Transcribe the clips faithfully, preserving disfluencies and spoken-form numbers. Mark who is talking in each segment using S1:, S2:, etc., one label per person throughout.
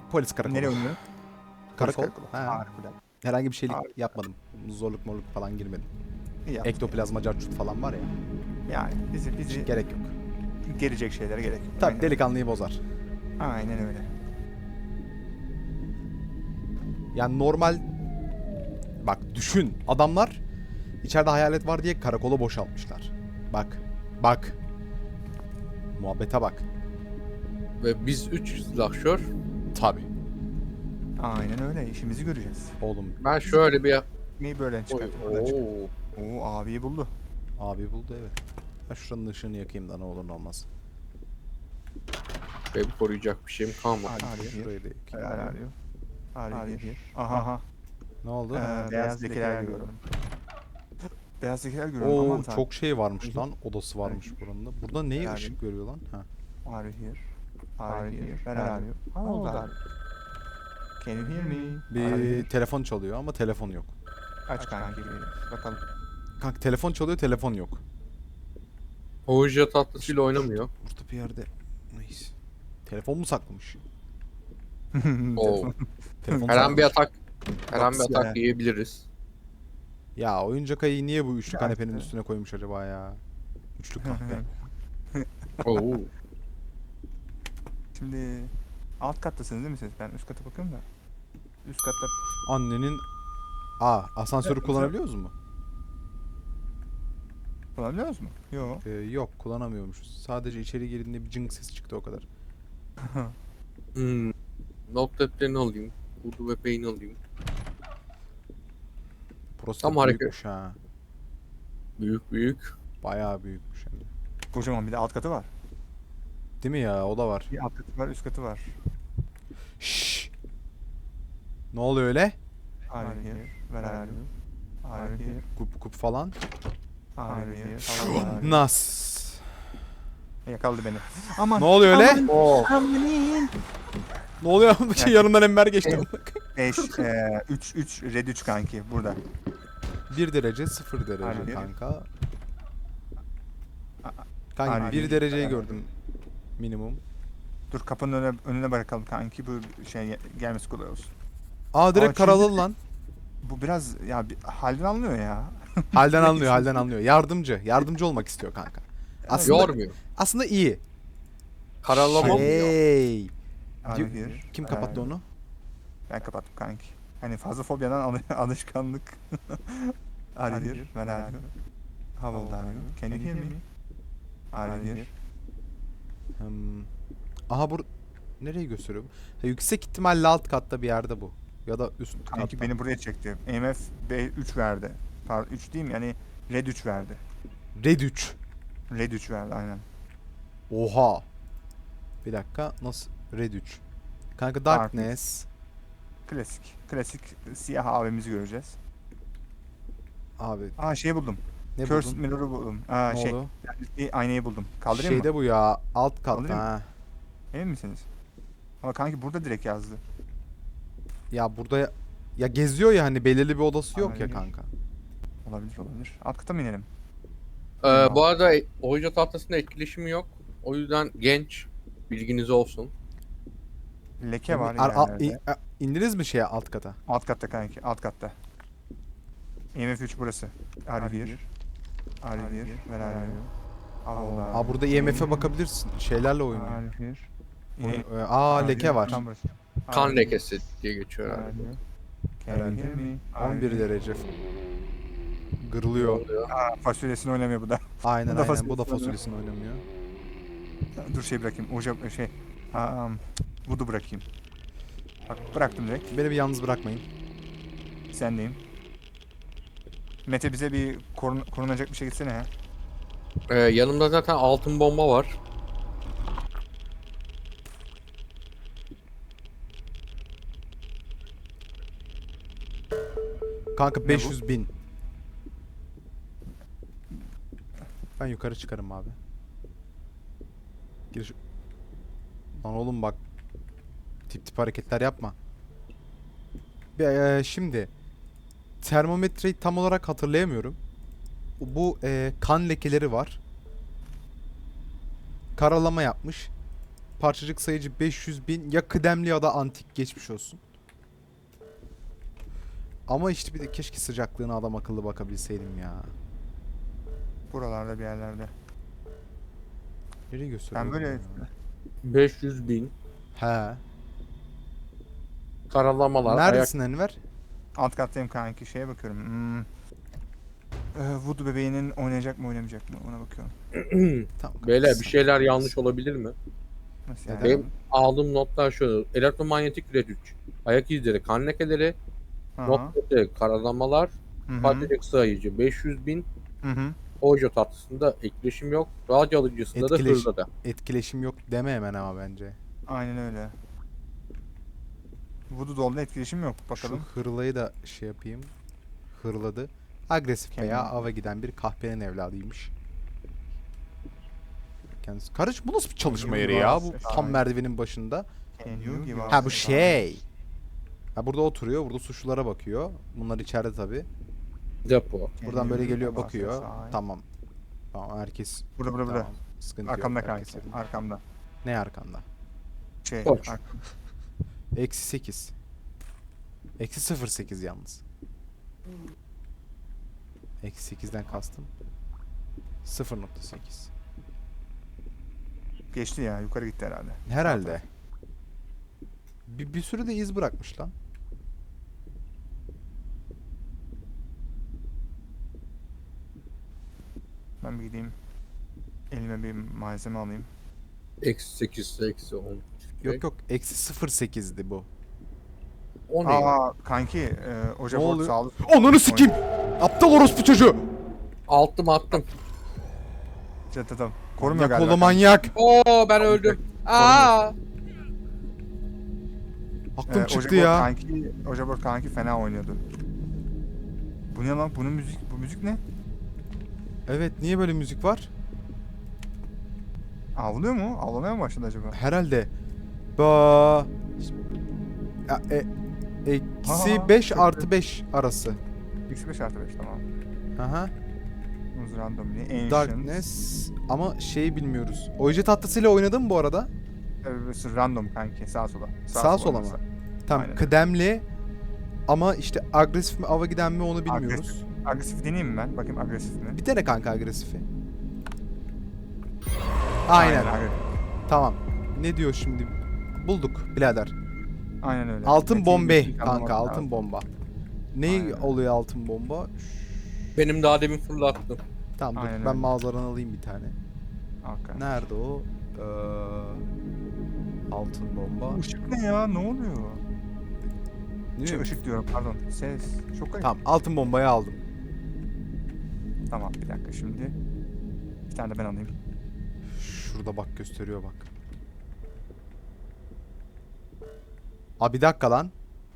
S1: Polis karakolu.
S2: Nereye oynuyor?
S1: Karakol.
S2: Polis karakolu.
S1: Ha.
S2: Harikulade.
S1: Herhangi bir şeylik
S2: Harika.
S1: yapmadım. Zorluk morluk falan girmedim.
S2: İyi yaptın.
S1: Ektoplazma carçut falan var ya.
S2: Yani bizi bizi
S1: Gerek yok.
S2: gelecek şeylere gerek yok.
S1: Tabii
S2: Aynen.
S1: delikanlıyı bozar.
S2: Aynen öyle.
S1: Yani normal... Bak düşün. Adamlar içeride hayalet var diye karakola boşaltmışlar. Bak. Bak. Muhabbete bak.
S3: Ve biz üç silahşör.
S1: Tabii.
S2: Aynen öyle. İşimizi göreceğiz.
S1: Oğlum
S3: Ben şöyle bir...
S2: Neyi böyle
S3: Oy,
S2: çıkartıp buradan çık-
S3: oo.
S2: Oo abiyi buldu.
S1: abi buldu evet. Ben şuranın ışığını yakayım da ne olur ne olmaz.
S3: Benim koruyacak bir şeyim kalmadı.
S2: Arıyor.
S1: Şurayı da yakayım.
S2: Arıyor. Arıyor. Aha. Aha.
S1: Ne oldu?
S2: Ee, beyaz lekeler görüyorum. Beyaz lekeler görüyorum.
S1: Oo
S2: Aman tanrım.
S1: çok şey varmış lan. Odası varmış buranın da. Burada neyi
S2: Yani-
S1: ışık görüyor lan? Ha.
S2: Are here. Are here. Where are you? How old are you? Can you hear me? Are you
S1: Bir
S2: here?
S1: telefon çalıyor ama telefon yok.
S2: Aç kanki. Bakalım.
S1: Kanka telefon çalıyor, telefon yok.
S3: Hoca tatlısıyla oynamıyor.
S1: Burada bir yerde. Neyse. Telefon mu saklamış?
S3: Oo.
S1: Telefon
S3: Her an bir
S1: saklamış.
S3: atak. Her an bir
S2: Kapısı
S3: atak
S2: ya.
S3: yiyebiliriz.
S1: Ya oyuncak ayı niye bu üçlü
S2: Ya
S1: kanepenin
S2: işte.
S1: üstüne koymuş acaba ya? Üçlü kahve.
S3: Oo.
S2: Şimdi alt kattasınız değil mi siz? Ben üst kata bakıyorum da. Üst katta
S1: Annenin... Aa asansörü
S2: Evet,
S1: kullanabiliyoruz mu?
S2: kullanabiliyoruz mu? Yok.
S1: Ee, yok kullanamıyormuşuz. Sadece içeri girdiğinde bir cıng sesi çıktı o kadar.
S3: Hmm. Not defterini alayım. Urdu ve peyni alayım.
S1: Burası
S3: Tam
S1: da
S3: hareket.
S1: büyükmüş ha.
S3: Büyük büyük.
S1: Bayağı büyükmüş hem de.
S2: Kocaman bir de alt katı var.
S1: Değil mi ya? O da var.
S2: Bir alt katı var, üst katı var.
S1: Şşş. Ne oluyor öyle?
S2: Are you here? Where are you? Are you here?
S1: Kup kup falan.
S2: Are you here? How old are you?
S1: Nas.
S2: Yakaladı beni. Aman.
S1: Ne oluyor öyle?
S2: Aman.
S3: Oo.
S2: Amanin.
S1: Ne oluyor? Bir şey yanımdan Enver geçti.
S2: beş, üç, üç, red üç kanki burada.
S1: bir derece sıfır derece
S2: Harbi.
S1: kanka.
S2: Harbi.
S1: Kanka bir dereceyi gördüm minimum.
S2: Dur kapının önüne, önüne bırakalım kanki bu şey gelmesi kolay olsun.
S1: Aa direkt
S2: Aa,
S1: karalı
S2: şimdi-
S1: lan.
S2: Bu biraz ya bir, halden anlıyor ya.
S1: Halden anlıyor, halden anlıyor. Yardımcı, yardımcı olmak istiyor kanka. Aslında
S3: Yormuyor.
S1: aslında iyi.
S3: Karalama mı ya?
S1: Hey.
S2: Are you here?
S1: Kim
S2: Where
S1: kapattı
S2: are you?
S1: onu?
S2: Ben kapattım kanki. Hani fazla fobyadan al- alışkanlık. Are you here? Where are you? How old are you? Can you hear me? Are you here?
S1: Hmm. Aha bu nereyi gösteriyor? bu? Ha, yüksek ihtimalle alt katta bir yerde bu. Ya da üst
S2: Kanki
S1: katta.
S2: beni buraya çekti. E M F B üç verdi. Pardon üç değil mi? Yani red üç verdi.
S1: Red üç.
S2: Red üç verdi aynen.
S1: Oha. Bir dakika nasıl? Red üç. Kanka Darkness.
S2: Klasik. Klasik siyah abimizi göreceğiz.
S1: Abi
S2: Aa şeyi buldum.
S1: ne
S2: Curse
S1: buldun?
S2: Mirror'ı buldum. Aa
S1: Ne
S2: şey.
S1: oldu?
S2: Bir aynayı buldum. Kaldırayım
S1: Şeyde
S2: mı?
S1: bu ya alt katta
S2: Kaldırayım mı?
S1: ha.
S2: Emin misiniz? Ama kanki burada direkt yazdı.
S1: Ya burada ya, ya geziyor ya hani belirli bir odası yok ya
S2: Aynen.
S1: kanka.
S2: Olabilir olabilir. Alt kata mı inelim?
S3: Ee, bu arada hoca tahtasında etkileşimi yok. O yüzden genç. Bilginiz olsun.
S2: Leke var
S1: Ar- al-
S2: yerlerde.
S1: in- a- indiniz mi şeye alt kata?
S2: Alt katta kanki, alt katta. E M F üç burası. Are you here? Are you here? Where are you? How old are
S1: Aa
S2: you?
S1: burada I M F'e bakabilirsin. Şeylerle oynuyor.
S2: Are you here?
S1: Oyun-
S2: Yine-
S1: Aa
S2: Are you
S1: leke
S2: here?
S1: var.
S2: Tam burası.
S3: Kan
S2: Are you-
S3: lekesi diye geçiyor
S2: Are
S3: herhalde.
S2: you? Can you hear me? Are
S1: on bir
S2: you here?
S1: derece. Gırılıyor.
S2: Aa, fasulyesini oynamıyor bu da.
S1: Aynen
S2: Bu da
S1: aynen. Bu da
S2: fasulyesini
S1: fasulyesini oynamıyor.
S2: Dur şey bırakayım. Oca şey. Um, Voodoo bırakayım. Bak bıraktım direkt.
S1: Beni bir yalnız bırakmayın.
S2: Sendeyim. Mete bize bir korun korunacak bir şey gitsene ya.
S3: Ee, yanımda zaten altın bomba var.
S1: Kanka
S2: bu?
S1: beş yüz bin. Ben yukarı çıkarım abi. Gir. şu- Lan oğlum bak. Tip tip hareketler yapma. Bir, eee, şimdi termometreyi tam olarak hatırlayamıyorum. Bu eee, kan lekeleri var. Karalama yapmış. parçacık sayıcı beş yüz bin, ya kıdemli ya da antik, geçmiş olsun. Ama işte bir de keşke sıcaklığına adam akıllı bakabilseydim ya.
S2: Buralarda bir yerlerde.
S1: Nereye gösteriyor?
S2: Ben böyle
S1: ya?
S3: beş yüz bin.
S1: He.
S3: Karalamalar. Ayak...
S1: Neredesin Enver?
S2: alt kattayım kanki. Şeye bakıyorum. Hmm. Ee, Voodoo bebeğinin oynayacak mı oynamayacak mı ona bakıyorum.
S1: Tamam.
S3: Beyler bir şeyler yanlış olabilir mi?
S2: Nasıl yani?
S3: Benim aldığım notlar şöyle. Elektromanyetik red üç. Ayak izleri, kan lekeleri,
S2: Aha.
S3: noktaları, karalamalar,
S2: Hı hı.
S3: parçacık sayıcı beş yüz bin.
S2: Hı hı.
S3: Ojo tatlısında etkileşim yok. Radyo alıcısında da
S1: Etkileş-
S3: hızda da.
S1: Etkileşim yok deme hemen ama bence.
S2: Aynen öyle. Voodoo Doll'da etkileşim yok. Bakalım.
S1: Şu hırlayı da şey yapayım. Hırladı. Agresif veya
S2: Kendine.
S1: ava giden bir kahpenin evladıymış. Kendisi. Karış bu nasıl bir çalışma yeri ya? Bu tam merdivenin başında.
S2: Can you give us
S1: Ha bu
S2: a
S1: şey. Ha burada oturuyor. Burada suçlulara bakıyor. Bunlar içeride tabi.
S3: Depo.
S2: sign?
S1: Buradan
S2: Can
S1: böyle
S2: you
S1: geliyor
S2: give us a
S1: bakıyor.
S2: sign?
S1: Tamam. Tamam herkes.
S2: Burada burada burada.
S1: Tamam. Sıkıntı
S2: Arkamda
S1: yok.
S2: kanki.
S1: herkes-
S2: Arkamda.
S1: Ne arkanda?
S2: Şey.
S3: Koç.
S2: ar-
S1: Eksi sekiz. Eksi sıfır sekiz yalnız. Eksi sekizden kastım. sıfır nokta sekiz.
S2: Geçti ya. Yukarı gitti herhalde.
S1: Herhalde. Bir, bir sürü de iz bırakmış lan.
S2: Ben bir gideyim. Elime bir malzeme alayım.
S3: Eksi sekiz, eksi on.
S1: Yok yok. Eksi sıfır sekizdi bu.
S3: O ne? ya?
S2: Aa kanki. E,
S1: Ne
S2: Oja Ford
S1: oluyor?
S2: sağlık.
S1: Onunu sikeyim. Aptal orospu çocuğu.
S3: Attım attım.
S2: Çatıdım. Korumuyor
S1: Manyak
S2: galiba.
S1: oğlu
S2: kanki.
S1: manyak.
S3: Oo ben öldüm. Aa!
S1: Aklım
S2: Ee,
S1: çıktı
S2: Oja Board
S1: ya.
S2: Kanki, Oja Board kanki fena oynuyordu. Bu ne lan? Bunun müzik, bu müzik ne?
S1: Evet niye böyle müzik var?
S2: Ağlıyor mu? Ağlamaya mı başladı acaba?
S1: Herhalde. Ba. Ya, e, eksi
S2: Aa,
S1: beş
S2: çok
S1: artı beş arası.
S2: Eksi beş artı beş tamam.
S1: Aha.
S2: Muz randomly. Ancient.
S1: Darkness. Ama şeyi bilmiyoruz. Oje tatlısıyla oynadın mı bu arada?
S2: Ee, random kanki. Sağ sola.
S1: Sağ sola mı?
S2: olması.
S1: Tamam
S2: Aynen.
S1: kıdemli. Ama işte agresif mi ava giden mi onu bilmiyoruz.
S2: Agresif. Agresif deneyeyim mi ben? Bakayım agresif mi?
S1: Bir dene kanka agresifi. Aynen.
S2: Aynen,
S1: Tamam. Ne diyor şimdi? Bulduk birader.
S2: Aynen öyle.
S1: Altın
S2: Metin
S1: bombe
S2: Gülsün
S1: kanka
S2: anlamak
S1: altın
S2: lazım.
S1: bomba. Ne
S2: Aynen.
S1: oluyor altın bomba?
S3: Benim daha demin fırlattım.
S1: Tamam dur
S2: Aynen
S1: ben
S2: öyle.
S1: mağazadan alayım bir tane.
S2: Hakikaten.
S1: Nerede o? Ee, altın bomba.
S2: Işık ne ya? Ne oluyor?
S1: Değil
S2: Şey,
S1: mi?
S2: ışık diyorum pardon. Ses. Çok garip.
S1: Tamam altın bombayı aldım.
S2: Tamam bir dakika şimdi. Bir tane de ben alayım.
S1: Şurada bak gösteriyor bak. Abi bir dakika lan.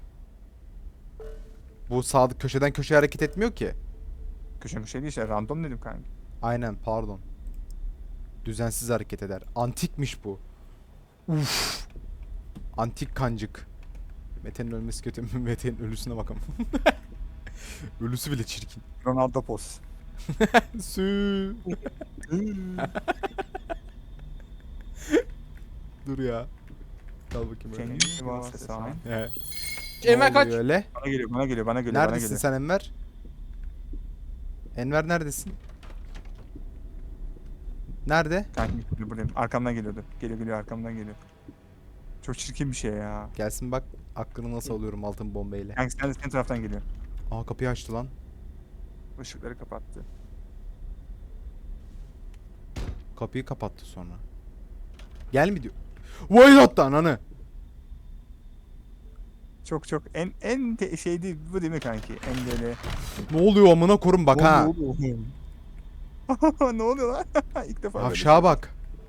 S1: Bu sağ köşeden köşeye hareket etmiyor ki.
S2: Köşe bir şey değil işte random dedim kanka.
S1: Aynen pardon. Düzensiz hareket eder. Antikmiş bu. Uf. Antik kancık. Mete'nin ölmesi kötü mü? Mete'nin ölüsüne bakalım. Ölüsü bile çirkin.
S2: Ronaldo pos.
S1: Sü. Dur ya. Kal bakayım
S2: Can
S1: öyle.
S2: you give us a sign?
S1: He.
S3: Enver
S1: Ne
S3: kaç.
S1: oluyor öyle?
S2: Bana geliyor, bana geliyor, bana geliyor, bana
S1: Neredesin
S2: geliyor.
S1: sen Enver? Enver neredesin? Nerede?
S2: Kanki geliyor, buradayım. Arkamdan geliyordu. Geliyor geliyor arkamdan geliyor. Çok çirkin bir şey ya.
S1: Gelsin bak aklını nasıl alıyorum altın bombayla.
S2: Kanki sen de senin taraftan geliyor.
S1: Aa kapıyı açtı lan.
S2: Işıkları kapattı.
S1: Kapıyı kapattı sonra. Gel mi diyor. Vay hatta ananı.
S2: Çok çok en en te- şey değil bu değil mi kanki? En böyle.
S1: Ne oluyor amına korum bak ha.
S2: Ne oluyor lan? İlk defa böyle
S1: Aşağı
S2: şey.
S1: bak.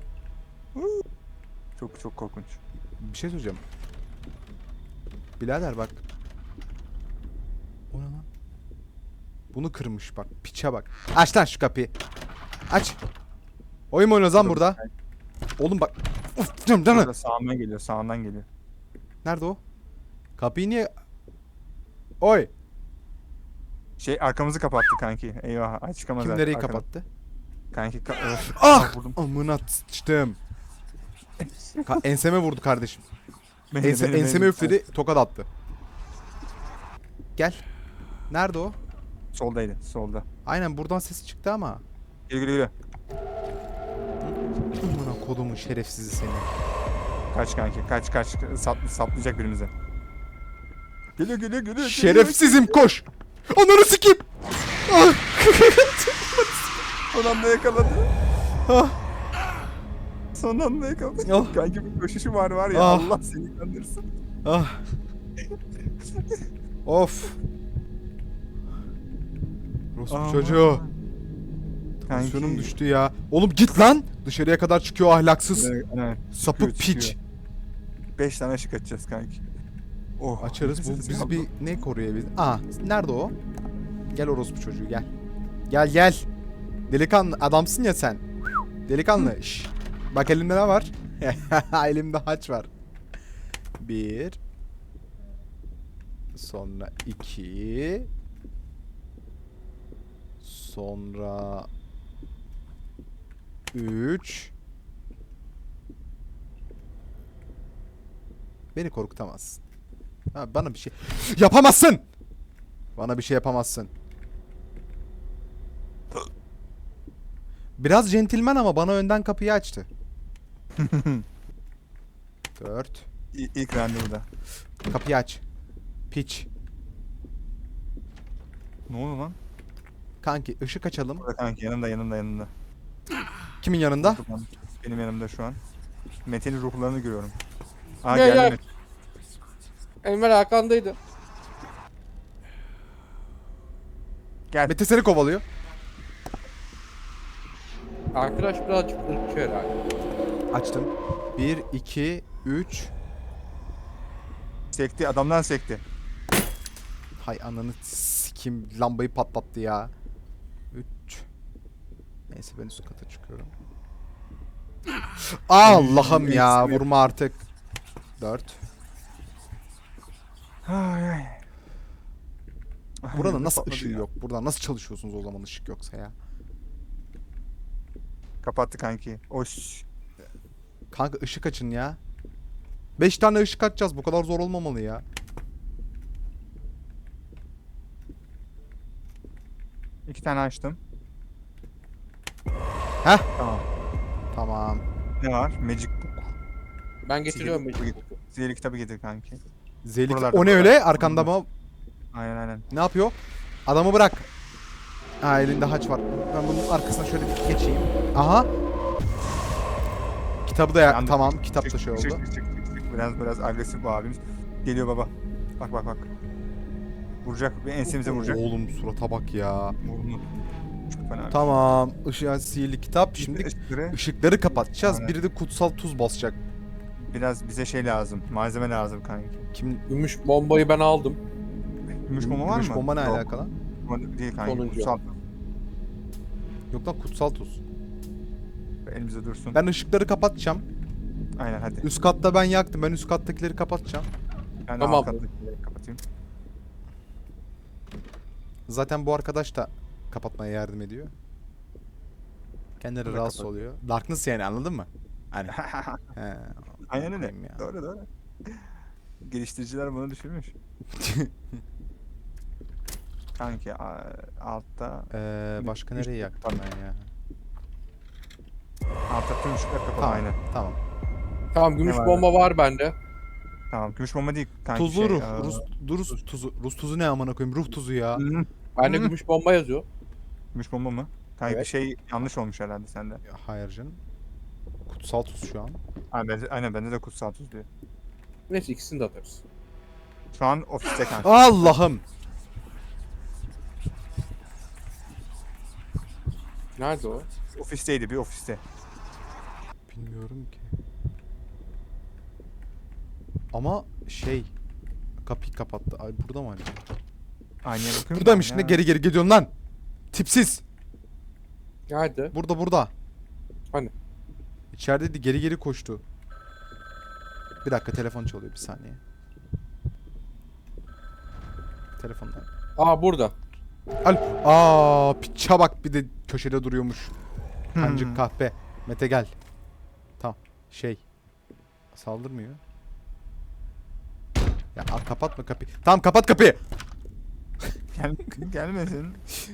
S2: Çok çok korkunç.
S1: Bir şey söyleyeceğim. Birader bak. O ne lan? Bunu kırmış bak. Piçe bak. Aç lan şu kapıyı. Aç. Oyun mu oynuyoruz lan burada? Oğlum bak. Uf, canım canım.
S2: Burada sağından geliyor, sağından geliyor.
S1: Nerede o? Kapıyı niye... Oy.
S2: Şey arkamızı kapattı kanki. Eyvah, ay çıkamaz.
S1: Kim
S2: artık
S1: nereyi
S2: arkadan.
S1: kapattı?
S2: Kanki ka- öf.
S1: Ah!
S2: Vurdum.
S1: Amına sıçtım. Ka- enseme vurdu kardeşim.
S2: Beni,
S1: Ense,
S2: beni,
S1: enseme
S2: beni.
S1: üfledi, tokat attı. Gel. Nerede o?
S2: Soldaydı, solda.
S1: Aynen buradan sesi çıktı ama.
S2: Yürü yürü yürü.
S1: Amına kodumun şerefsizi seni.
S2: Kaç kanki, kaç kaç. Sap, saplayacak birimize. Geliyor geliyor geliyor.
S1: Şerefsizim koş. Ananı sikeyim. Ah.
S2: Son anda yakaladı.
S1: Ah.
S2: Son anda yakaladı.
S1: Ah.
S2: Kanki bir koşuşu var var ya,
S1: Ah.
S2: Allah seni kandırsın.
S1: Ah. Of. Rospu
S2: Aman.
S1: çocuğu.
S2: Kanki.
S1: Tansiyonum düştü ya. Oğlum git lan. Dışarıya kadar çıkıyor ahlaksız.
S2: Evet, evet.
S1: Sapık
S2: Çıkıyor,
S1: piç.
S2: çıkıyor. Beş tane ışık açacağız kanki. Oh.
S1: Açarız. Bu
S2: nefes
S1: bizi
S2: aldım.
S1: bir ne koruyor biz? Aa, nerede o? Gel orospu çocuğu gel. Gel gel. Delikanlı adamsın ya sen. Delikanlı. Şş. Bak elimde ne var? Elimde haç var. Bir. Sonra iki. Sonra üç. Beni korkutamazsın. Ha, bana bir şey yapamazsın. Bana bir şey yapamazsın. Biraz centilmen ama bana önden kapıyı açtı. Dört.
S2: İ- İlk randevuda.
S1: Kapıyı aç. Piç.
S2: Ne oldu lan?
S1: Kanki ışık açalım.
S2: Burada kanki, yanımda yanımda yanımda.
S1: Kimin yanında?
S2: Benim yanımda şu an. Mete'nin ruhlarını görüyorum. Aa
S3: Ne
S2: geldi
S3: ya?
S2: Mete.
S3: Enver arkandaydı.
S2: Gel.
S1: Mete seni kovalıyor.
S3: Arkadaş birazcık ırkçı herhalde.
S1: Açtım. Bir, iki, üç.
S2: Sekti, adamdan sekti.
S1: Hay ananı sikim lambayı patlattı ya. Üç. Neyse ben üst kata çıkıyorum. Allah'ım ya vurma artık. Dört.
S2: Ay ay.
S1: Burada
S2: Ay,
S1: nasıl
S2: patladı
S1: ışığı
S2: ya.
S1: yok? Burada nasıl çalışıyorsunuz o zaman ışık yoksa ya?
S2: Kapattı kanki. Oş.
S1: Kanka ışık açın ya. Beş tane ışık açacağız. Bu kadar zor olmamalı ya.
S2: İki tane açtım.
S1: Heh.
S2: Tamam.
S1: Tamam.
S2: Ne var? Magic Book.
S3: Ben getiriyorum
S2: Sihirli,
S3: Magic
S2: Book.
S3: Book'u.
S2: Sihirli kitabı getir kanki.
S1: Zelik.
S2: Buralarda,
S1: O ne
S2: buralarda.
S1: öyle? Arkanda mı?
S2: Aynen aynen.
S1: Ne yapıyor? Adamı bırak. Ha elinde haç var. Ben bunun arkasına şöyle bir geçeyim. Aha. Kitabı da ya
S2: Yandık.
S1: tamam. Kitap da
S2: Çık,
S1: şey
S2: çık,
S1: oldu.
S2: çık, çık, çık. Biraz biraz agresif bu abimiz. Geliyor baba. Bak bak bak. Vuracak. Bir ensemize vuracak.
S1: Oğlum surata bak ya.
S2: Vurdu. Çok fena.
S1: Tamam. Işığa sihirli kitap. Şimdi
S2: Işıkları
S1: ışıkları kapatacağız.
S2: Aynen.
S1: Biri de kutsal tuz basacak.
S2: biraz bize şey lazım. Malzeme lazım kanki.
S1: Kim?
S3: Gümüş bombayı ben aldım.
S2: Gümüş bomba var
S1: Gümüş
S2: mı?
S1: bomba ne
S2: Yok,
S1: alakalı?
S2: bomba değil kanki.
S3: Sonuncu.
S2: Kutsal.
S1: Yok lan kutsal tuz.
S2: Elimizde dursun.
S1: Ben ışıkları kapatacağım.
S2: Aynen hadi.
S1: Üst katta ben yaktım. Ben üst kattakileri kapatacağım.
S2: Ben
S3: Tamam.
S2: alt kattakileri kapatayım.
S1: Zaten bu arkadaş da kapatmaya yardım ediyor. Kendileri
S2: Bu da
S1: rahatsız
S2: kapat-
S1: oluyor. Darkness yani anladın mı? Hani. He,
S2: Aynen öyle.
S1: koyayım ya.
S2: Doğru doğru. Geliştiriciler bunu düşünmüş. Kanki a- altta
S1: Ee, başka
S2: Üst-
S1: nereye yaktım ben ya?
S2: altta tüm ışıklar kapalı
S1: Tamam.
S2: aynen.
S1: Tamam.
S3: Tamam gümüş
S2: Ne var
S3: bomba var bende.
S2: Tamam. Gümüş bomba değil kanki.
S1: Tuzlu
S2: şey,
S1: ruh.
S2: aa,
S1: Rus, Rus tuzu. Rus tuzu ne amına koyayım? Ruh tuzu ya.
S2: Hı hı.
S3: Bende
S2: Hı.
S3: gümüş bomba yazıyor.
S2: Gümüş bomba mı? Kanki bir
S3: Evet.
S2: şey yanlış olmuş herhalde sende.
S1: Hayır canım. Kutsal tuz şu an.
S2: Aynen, bende, aynen bende de kutsal tuz diyor.
S3: Neyse ikisini de atarız.
S2: Şu an ofiste kanka.
S1: Allah'ım.
S3: Nerede o?
S2: Ofisteydi bir ofiste.
S1: Bilmiyorum ki. Ama şey kapıyı kapattı. Ay burada mı acaba?
S2: Aynaya bakıyorum.
S1: Buradaymış.
S2: ben
S1: Ne
S2: ya.
S1: geri geri gidiyorsun lan? Tipsiz.
S3: Nerede?
S1: Burada burada.
S3: Hani?
S1: İçerideydi geri geri koştu. Bir dakika telefon çalıyor bir saniye. Telefonda.
S3: Aa burada.
S1: Al. Aa piça bak bir de köşede duruyormuş.
S2: Hmm.
S1: Kancık kahpe. Mete gel. Tamam. Şey. Saldırmıyor. Ya a, kapatma kapıyı. Tamam kapat kapıyı.
S2: Gel, gelmesin.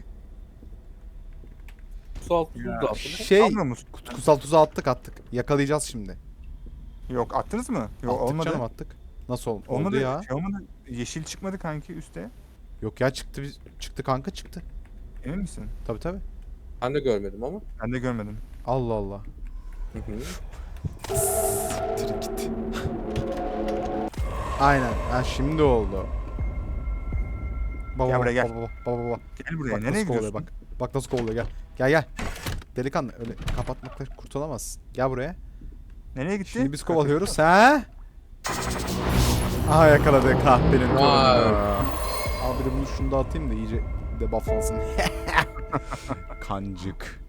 S3: Su altı tuz
S2: Ya,
S3: da atılır.
S1: Şey
S2: Almıyor musun?
S1: kutsal tuzu attık attık. Yakalayacağız şimdi.
S2: Yok attınız mı? Yok
S1: attık
S2: olmadı.
S1: canım attık. Nasıl oldu?
S2: Olmadı
S1: Oldu ya.
S2: Şey olmadı. Yeşil çıkmadı kanki üstte.
S1: Yok ya çıktı biz çıktı kanka çıktı.
S2: Emin misin?
S1: Tabi tabi.
S3: Ben de görmedim ama.
S2: Ben de görmedim.
S1: Allah Allah.
S3: Hı hı.
S1: Siktir git. Aynen. Ha şimdi oldu. Baba
S2: Gel
S1: baba,
S2: buraya, gel.
S1: baba baba baba baba.
S2: Gel buraya.
S1: Bak
S2: Nereye
S1: nasıl kovalıyor
S2: gidiyorsun?
S1: bak. Bak nasıl kovalıyor gel. Gel gel. Delikanlı öyle kapatmakla kurtulamazsın. Gel buraya.
S2: Nereye gitti?
S1: Şimdi biz kovalıyoruz. Ha? Aha yakaladık kahpenin
S3: Vay.
S1: torununu. Abi de bunu şunu da atayım da iyice debufflansın. Kancık.